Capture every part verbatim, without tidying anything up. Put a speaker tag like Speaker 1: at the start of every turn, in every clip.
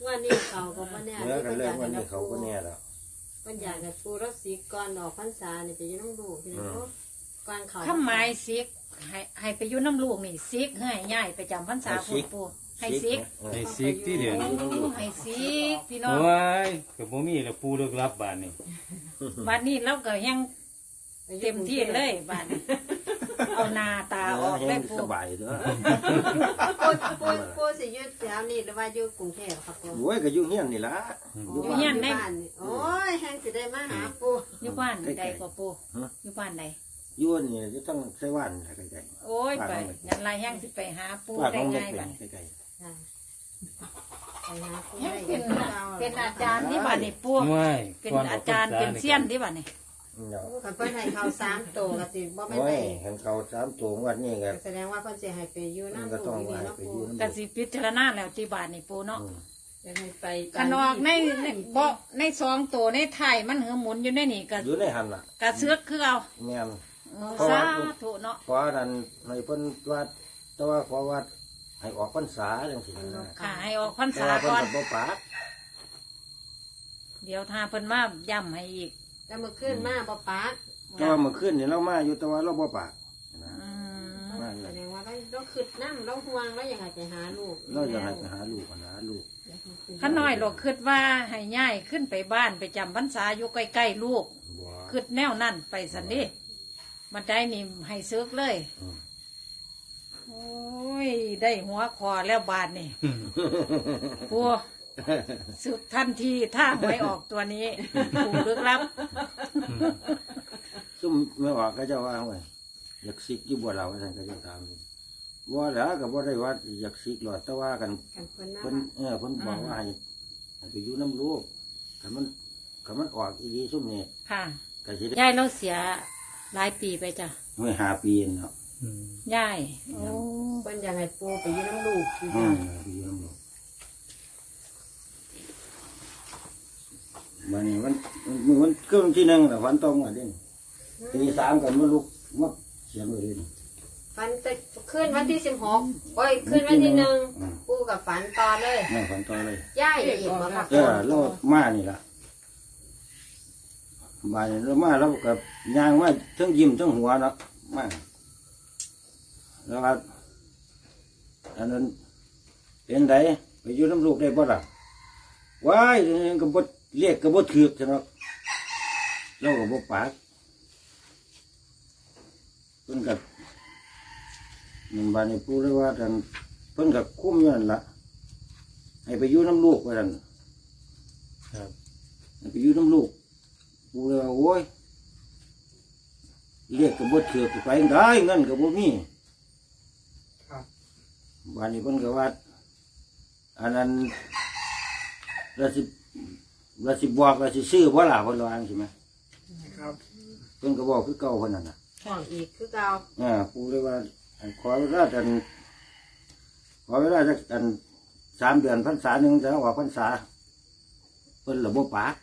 Speaker 1: วันนี้เขาก็บ่แน่
Speaker 2: เมื่อกันเลิกวันนี้เขาก็แน่แล้ว
Speaker 1: มันอยากให้ปูรักสีก่อนออกพรรษานี่ไปอยู่น้องลูกพี่น้องก่อนเขา
Speaker 3: ข้าไม้ซิกให้ให้ไปอยู่น้ำลูกนี่ซิกให้ย่ายไปจำพรรษาพูดปูให้ซิก
Speaker 4: ให้ซิกที่เดียว
Speaker 3: โอ้ให้ซิกพี่น้อง
Speaker 4: โอ้ยกับบ่มีแล้วปูเลิกรับบานนี่
Speaker 3: บ้านนี้เราก็ยังเต็มที่เลยบ้านนี้เอาหน้าตาออกได้ปู
Speaker 2: สบายเด้อ
Speaker 1: ปูปูปูสิอยู่แถวนี้หรือว่าอยู่กรุงเทพครับปู
Speaker 2: โอ้ยก็อยู่เฮียนนี่ล่ะ
Speaker 3: อยู่เฮียนได้
Speaker 1: บ้านนี่โอ้ยแห้งสิได้มาหาปู
Speaker 3: อยู่บ้านใดกว่าปูอยู่บ้านใด
Speaker 2: อยู่นี่จะต้องใช้ว่านใกล้
Speaker 3: โอ้ยไปยันไรแห้งสิไปหาปู
Speaker 2: ๆว่า
Speaker 3: ได้
Speaker 2: ของเล็ก
Speaker 3: ง่าย
Speaker 2: เป็
Speaker 3: บ้าน
Speaker 2: นใกล้
Speaker 1: ค่ะไปหาปู
Speaker 3: ยัง
Speaker 1: ได้
Speaker 3: เป็น
Speaker 1: เก่า
Speaker 3: เป็นอาจารย์ที่บ้านนี่ปู
Speaker 4: ไม่
Speaker 3: เป็นอาจารย์เป็นเซียนที่บ้านนี่
Speaker 2: ๆเนาะ
Speaker 1: คันเพิ่นให้เขาสามตัวก็สิบ่แม่น
Speaker 2: โอ้
Speaker 1: ได้
Speaker 2: ยเห็นเขาสามตัววันนี้ก็
Speaker 1: แสดงว่าเพิ่นสิให้ไปอยู่
Speaker 2: มัน
Speaker 1: น้ำ
Speaker 2: ก็
Speaker 1: ลู
Speaker 2: ต้อง
Speaker 1: กนี่
Speaker 2: ว่า
Speaker 1: เนาะ
Speaker 2: ไป
Speaker 1: ปู
Speaker 2: อยู่น้ำ
Speaker 3: ก็สิพิจารณาแล้วที่บ้านนี่ปูเนาะ
Speaker 1: จะให้ไป
Speaker 3: ขนอกในในบ่ในซองตัวในไทยมันเหือหมุนอยู่ในนี่ก็
Speaker 2: อยู่ในหันล่ะ
Speaker 3: กระเสือกคือเอา
Speaker 2: แม่น
Speaker 3: เออสาธุเนาะ
Speaker 2: ขอนั้นให้เพิ่นวัดแต่ว่าขอวัดให้ออกพรรษาจังซี่นะ
Speaker 3: ค่ะให้ออกพรร
Speaker 2: แต่
Speaker 3: ษา
Speaker 2: ว่าเพิ่น
Speaker 3: ก่อน
Speaker 2: ก็บ่ปาก
Speaker 3: เดี๋ยวถ้าเพิ่นมาย้ำให้อีก
Speaker 1: แต่เมื่อคืนมาบ่ปาก
Speaker 2: แต่ว่าเมื่อคืนนี่เรามาอยู่แต่ว่าเราบ่ปากนะ
Speaker 3: อืม
Speaker 2: มาเล
Speaker 1: แส
Speaker 2: ย
Speaker 1: ดงว่าเราเราคิดน้ำเราห่วงเราอยากให้ไปหาลูก
Speaker 2: เราอยากให้ไปหาลูกหาลูก
Speaker 3: ข้าน้อยหรอกคิดว่าให้ย่ายขึ้นไปบ้านไปจำพรรษาอยู่ใกล้ๆลูก
Speaker 2: บ่
Speaker 3: คิดแนวนั่นไปสันนี่มันได้นี่ให้ซึกเลย
Speaker 2: อืม
Speaker 3: โอ้ยได้หัวคอแล้วบาดนี่ปัวซึกทันทีถ้าหวยออกตัวนี้ปูลึกลับ
Speaker 2: ซุ่มไม่ออกก็เจะว่าไว้อยากสิกอยู่บ่เราท่านก็จะถามว่าแล้วก็บ่ได้ว่าอยากสิกหรอกแต่ว่ากัน
Speaker 1: กันเพิ่นมา
Speaker 2: เพิ่นเออเพิ่นบอกว่าให้ให้ไปอยู่น้ำลูกถ้ามันถ้ามันออกอีดีซุ่มนี่
Speaker 3: ค่ะ
Speaker 2: ก็สิได้
Speaker 3: ยายเราเสียหลายปีไปจ้ะ
Speaker 2: เมื่อห้าปีเนาะ
Speaker 3: ยายโอ้
Speaker 1: เพิ่นอยากให้ปูไปอยู่น้ำลูกอยู่
Speaker 2: อื
Speaker 1: จ้ะ
Speaker 2: มไปอยู่น้ำลูกมันนี่มันมันมันเครื่องที่หนึ่งแต่วันตรงอ่ะเด่นตีสามกันมาลุกมาเสียงเลยนี่
Speaker 1: ฝันแต่คืนวันที่สิบหกโอ้ยคืนวันที่หนึ่งปูกับฝันต่อเลย
Speaker 2: นั่งฝันต่อเลย
Speaker 1: ย่ายอีกมาครับ
Speaker 2: เออเรามานี่ล่ะมานี่เรามาเรากับยางมาทั้งยิ้มทั้งหัวเนาะมาแล้วก็อันนั้นเป็นไดไปอยู่น้ำลูกได้บ่ล่ะว้ายกับบดเรียกกับบดถือกเนาะเรากับบดปากเพิ่นกับหนึ่งบานในปูเลยว่าท่านเพิ่นกับคุ้มอยู่นั่นล่ะให้ไปอยู่น้ำลูกไปท่าน
Speaker 4: ครับ
Speaker 2: ไปอยู่น้ำลูกปูเลยว่าโอ้ยเรียกกับบดเถือกไปได้เงินกับบ่มีบ้านนี้เพิ่นก็ว่าอันนั้นเราสิเราสิบอกเราสิซื้อบ่ล่ะเพิ่นว่าจังซี่ไหม
Speaker 5: ครับ
Speaker 2: เพิ่นก็บอกคือเก่าเพิ่นนั่นน่ะ
Speaker 1: ห่วงอีกคือเก่า
Speaker 2: อ่าปูเลยว่าขอเวลาจันขอเวลาจักอันสามเดือนพรรษาหนึ่งจะออกพรรษาเพิ่นระบบปาก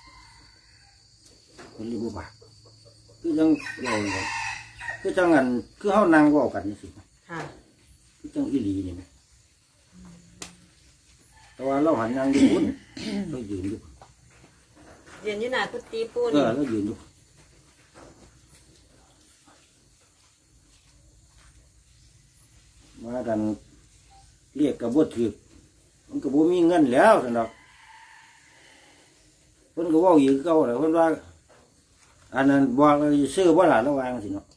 Speaker 2: เพิ่นระบบปากคือจังเว้าเนี่ยคือจังอันคือเฮานั่งเว้ากันนี่สิ
Speaker 1: ค่ะ
Speaker 2: คือจังอีหลีนี่แหมแต่ว่าเราหันยังอยู่พุ่น เรายืนอยู่
Speaker 1: เรียนอยู่หน้ากุฏิปู
Speaker 2: เอ
Speaker 1: นี่
Speaker 2: อเรายืนอยู่มากันเรียกกับบดถือมันก็บ่มีเงินแล้วสนอกเพิ่นก็เว่าอยู่คือเก่าแหละเพิ่นว่าอันนั้นบอกว่าสิซื้อบ่ล่ะระวังสิเนาะ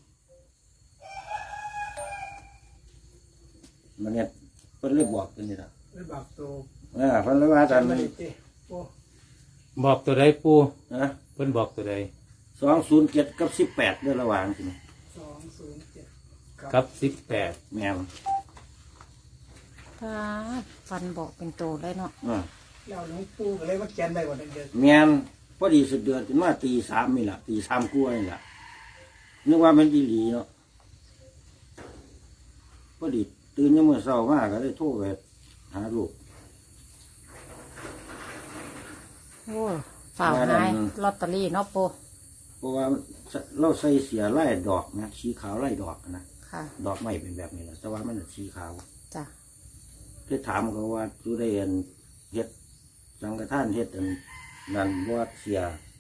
Speaker 2: มันเนี่ยเพิ่นเลยบอกเพิ่นนี่ล่ะ
Speaker 5: ไม่บักตัว
Speaker 2: เออเพิ่นเลยว่ากัน
Speaker 5: ไม่ได้เจ๊โอ้
Speaker 4: บอกตัวใดปู
Speaker 2: นะ
Speaker 4: เพิ่นบอกตัวใด
Speaker 2: สองศูนย์เจ็ดกับสิบแปดเด้อระวังสิเนาะ
Speaker 5: สองศูนย์เจ็ด
Speaker 4: กับสิบแปด
Speaker 2: แม่น
Speaker 3: ฟ้าฟันบอกเป็นโตเลยเนาะ
Speaker 2: อ่า
Speaker 5: แล้วหลวงปู่ก็เลยว่าแกนได้กว่าเดิม
Speaker 2: แม่นพอดีสุดเดือนจนมาตีสามนี่ล่ะตีสามกลัวานี่ล่ะนึกว่ามันอีหลีเนาะพอดีตื่นยังมื้อเช้ามาก็เลยโทรไปหาลูก
Speaker 3: โอ้ฝ่าวหายลอตเตอรี่เนาะปู
Speaker 2: เพราะว่าเราใส่เสียไล่ดอกนะสีขาวไล่ดอกนะ
Speaker 3: ค่ะ
Speaker 2: ดอกไม้เป็นแบบนี้แหละแต่ว่ามันสีขาว
Speaker 3: จ้ะ
Speaker 2: ที่ถามเขาว่าดูได้เห็นเฮ็ดสังฆทานเฮ็ดอันนั่นบ่เสีย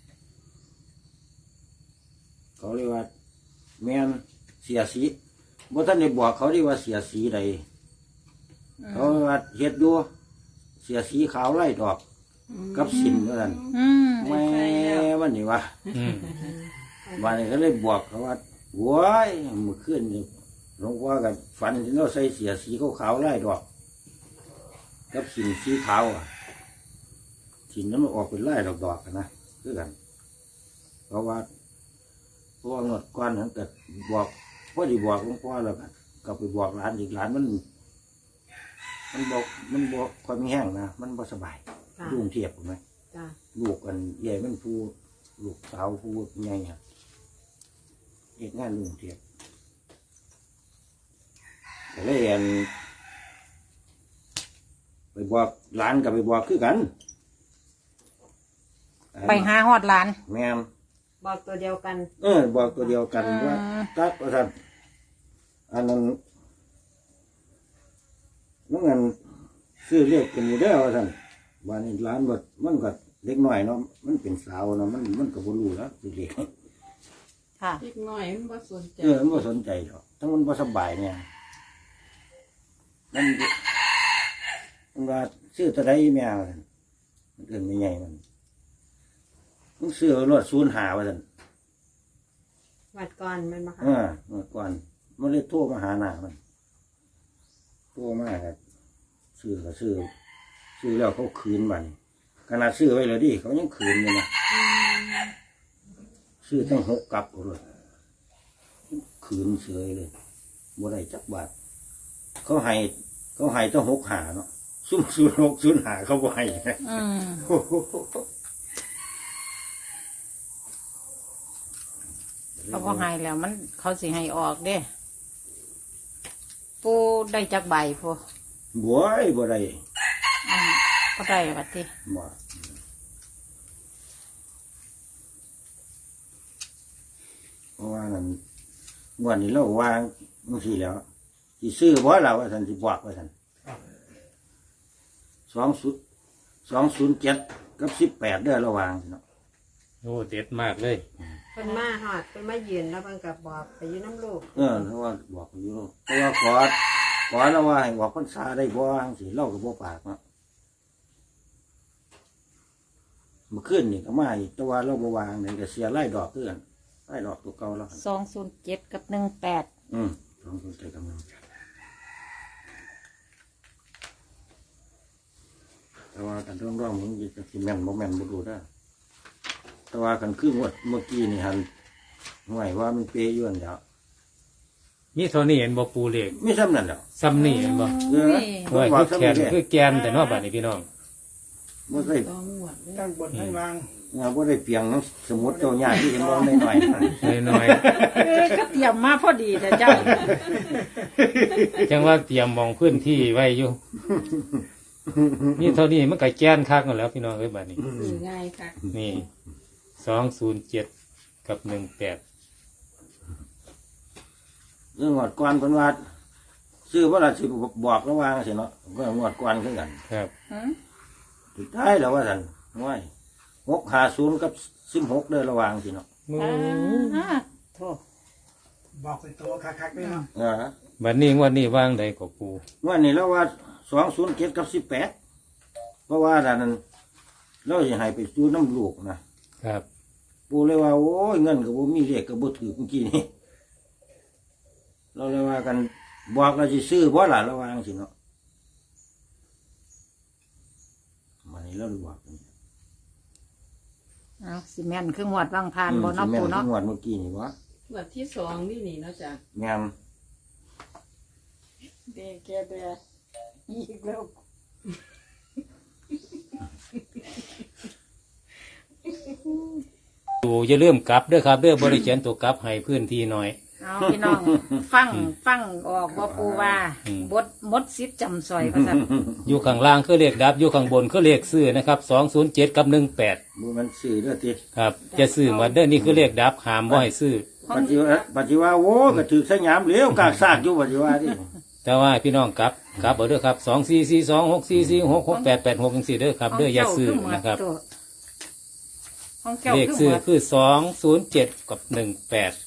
Speaker 2: เขาเรียกว่าแม่นเสียสีบ่ท่านได้บอกเขาเรียกว่าเสียสีใดเขาว่าเฮ็ดอยู่เสียสีขาวไล่ดอกกับสินว่าซั่น
Speaker 3: อืม
Speaker 2: แม่วันนี้ว่า
Speaker 4: อืม
Speaker 2: วันนี้ก็เลยบอกเขาว่าโว้ยเมื่อคืนนี่หลวงพ่อกับฝันที่เราใส่เสียสีขาวๆไล่ดอกกับสินสีขาวอ่ะสินนั้นมันออกเป็นไล่ดอกๆกันนะคือกัน เพราะว่าเพราะว่างดก้อนนั้นเกิดบอกพ่อดีบอกหลวงพ่อแล้วกันก็ไปบอกหลานอีกหลานมัน มันบอกมันบอกความแห้งนะมันบ่สบาย
Speaker 1: จ้ะ
Speaker 2: ลุงเทียบถูกไหม
Speaker 1: จ้ะ
Speaker 2: ลูกกันใหญ่มันผู้ลูกสาวผู้ใหญ่ครับเอกงานลุงเทียบแต่เลยเห็นไปบอกหลานกับไปบอกคือกัน
Speaker 3: ไปหาฮอดหลาน
Speaker 2: แม่ม
Speaker 1: บอกตัวเดียวกัน
Speaker 2: เออบอกตัวเดียวกัน
Speaker 3: อืม
Speaker 2: ว่าตักว่าท่านอันนั้นนั่นเงินซื้อเรียกเป็นอยู่ได้อว่าท่านบ้านนี้ร้านบดมันก็เล็กน้อยเนาะมันเป็นสาวเนาะมันมันก็บ่รู้แล้วสิเรียก
Speaker 3: ค่ะ
Speaker 6: เล็กน้อยมันบ่สนใจ
Speaker 2: เออมันบ่สนใจหรอกทั้งมันบ่สบายเนี่ยมันมันว่าซื้อตัวใดแมวมันเอิ้นไม่ใหญ่มันมันซื้อรถศูนย์หาว่าซั่น
Speaker 1: วัดก่อนมันมา
Speaker 2: เอ
Speaker 1: ค่ะ
Speaker 2: อเมื่อก่อนมันเลยโทรมาหาหน้ามันโทรมาก็ซื้อก็ซื้อซื้อแล้วเขาคืนบัดนี้ขนาดซื้อไว้แล้วดิเขายังคืนเลยนะซื้อตั้งหกกลับเลยคืนเสยเลยบ่ได้จักบาทเขาให้เขาให้ตั้งหกหาเนาะซุ่มศูนย์หกศูนย์หาเขาบ่ให้
Speaker 3: อืมเขาบ่ให้แล้วมันเขาสิให้ออกเด้ปูได้จักใบพู
Speaker 2: บวยบ่ได้
Speaker 3: อืมก็ได้บัดที
Speaker 2: บ่เพราะว่านั่นงวดนี้เราวางจังซี่แหล้วสิซื้อบ่ล่ะว่าซั่นสิบอกว่าซั่นสองศูนย์สองศูนย์เจ็ดกับสิบแปดเด้อระหว่างเนาะ
Speaker 4: โอ้เด็ดมากเลย
Speaker 1: เป็นมาหอดเป็นมายืนแล้วมันกับบอกไปอยืนน้ำลูก
Speaker 2: เออเพราะว่าบอกอยู่เนาะเพราะว่าขอขอแล้วว่าให้บอกพรรษาได้บ่จังซี่เราก็บ่ปากเนาะเมื่อคืนนี่ก็มาอีกแต่ว่าเราบ่วางนี่ก็เสียรายดอกคือกันรายดอกตัวเก่าแล้วหั่น
Speaker 3: สองศูนย์เจ็ดกับหนึ่งแปด
Speaker 2: อืมสองคนใจกำลังแต่ว่ากันร่องร่องมันจะสิแม่นบ่แม่นบ่รู้ได้อแต่ว่ากันคืองวดเมื่อกี้นี่หันห่วยว่ามันเปยย้อนแล้ว
Speaker 4: มีเท่านี้เห็นบ่ปูเลข
Speaker 2: ไม่ซ้ำนั่นแล้ว
Speaker 4: ซ้ำนี่เห็นบ่
Speaker 2: เออ
Speaker 4: โอ้ย
Speaker 2: บอก
Speaker 4: คือ
Speaker 2: ซ้ำ
Speaker 4: แขน
Speaker 2: นี่
Speaker 4: คือแกนแต่เนอกบัดนี้พี่น้อง
Speaker 2: บ่ได้
Speaker 6: ต้องหวดเลย
Speaker 5: ตั้งบนทั้งล่าง
Speaker 2: ว่าบ่ได้เปลียงน้ำสมุดเจ้าญาติที่เห็นบ่หน่อย
Speaker 4: น้อย
Speaker 3: เอ้ยก็เตรียมมาพอดีแต่เจ้า
Speaker 4: ๆจังว่าเตรียมมองพื้นที่ไว้อยู่นี่เท่านี้มันก็แกนคักนั่นแหล้วพี่น้องเอ้ยบัดนี้
Speaker 6: นี่ง่ายค่ะ
Speaker 4: นี่สองศูนย์เจ็ดกับหนึ่งแปด
Speaker 2: เรื่องงวดก่อนเพิ่นว่าซื้อบ่ล่ะสิบอกระหว่างสิเนาะก็งวดก่อนคือกัน
Speaker 4: ครับ
Speaker 3: หืม
Speaker 2: สุดท้ายแล้วว่าซั่นห้วยหกห้าศูนย์กับสิบหกเด้อระหว่างสิเนาะ
Speaker 4: โอ้
Speaker 3: อ่าโทษ
Speaker 5: บอกเป็นตัวคักๆด้วยเนาะ
Speaker 2: เออ
Speaker 4: บัดนี้งวันนี้ว่างใดก็ปู
Speaker 2: ว่านี่แล้วว่าสองศูนย์เจ็ดกับสิบแปดเพราะว่าด้านนั้นเราจะให้ไปซื้อน้ำลูกนะครับ ปูเลยว่าโอ้ยเงินกับบ่มีเลขกับบ่ถือเมื่อกี้นี่เราเลยว่ากันบอกเราจะซื้อบ่ล่ะระวังสิเนาะมันนี่เราเลยบอกกัน
Speaker 3: เอาสิแม่นคืองวดว่างพานบ่เนาะ
Speaker 2: อืมสิแม่
Speaker 3: ปู
Speaker 2: น
Speaker 3: เนาะ
Speaker 2: งวดเมื่อกี้นี่วะ
Speaker 6: หวดที่สองนี่นี่เนาะจ้ะ
Speaker 2: งาม
Speaker 3: เดแกเดอีกแล้ว
Speaker 4: ปูอย่าลืมกลับเด้อครับเด้อบริเขียนตัวกลับให้พื้นที่หน่อย
Speaker 3: เอาพี่น้อง ฟังฟังออกว่าปูว่า
Speaker 4: อืม
Speaker 3: บดมดซิดจำซอยว่าซั่น
Speaker 4: อยู่ข้างล่างคือเลขดับ อยู่ข้างบนคือเลขซื้อนะครับสองศูนย์เจ็ดกับหนึ่งแปด
Speaker 2: บ่มันซื้อเด้อติ
Speaker 4: ครับ จะซื้อหมาเด้อนี่คือเลขดับหามบ่ให้ซื้อ
Speaker 2: ปัจจุบันปัจจุบันโอ้ก็ถือสยามเหลวกากซากอยู่ปัจจุบันนี่
Speaker 4: แต่ว่าพี่น้องกลับกลับเอาเด้อครับสองสี่สี่สองหกสี่สี่หกหกแปดแปดหกจังสี่เด้อครับเด้ออย่าซื้อนะครับ
Speaker 3: ของเจ้า
Speaker 4: เลข
Speaker 3: คือ
Speaker 4: ซื้อ
Speaker 3: หมด
Speaker 4: คือสองศูนย์เจ็ดกับหนึ่งแปด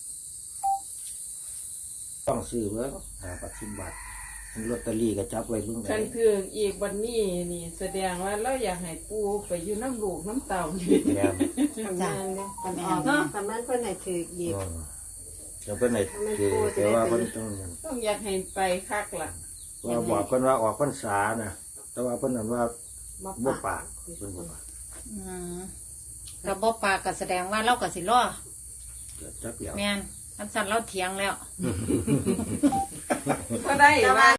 Speaker 2: ต้องซื้อเบิ่งหาปัจจุบันลอตเตอรี่ก็จับไว้เบิ่ง
Speaker 6: คั
Speaker 2: ได้
Speaker 6: นถืออีกวันนี้นี่ แสดงว่าเราอยากให้ปูไปอยู่น้ำลูกน้ำเต่านี่
Speaker 2: แม่น
Speaker 1: ทำงานเนี่ยทำออกทำนั้นเพื่อนให้ถือหยิบ
Speaker 2: อ๋อเดี๋ยวเพิ่นให้คือแต่ว่าเพิ่นต้อง
Speaker 6: ต้องอยากให้ไปคักล่ะ
Speaker 2: ว่าบอกเพิ่นว่าออกพรรษานะแต่ว่าเพิ่นนั่นว่า
Speaker 1: มา
Speaker 2: บ่
Speaker 1: ปะ
Speaker 2: ปากเพิ่นบ่ปาก
Speaker 3: อืมกระบอกปากก็แสดงว่าเราก็สิรอ
Speaker 2: เกิดจักเดียว
Speaker 3: แม่นอันสั่นเราเถียงแล้ว
Speaker 6: ก็ได้ว่า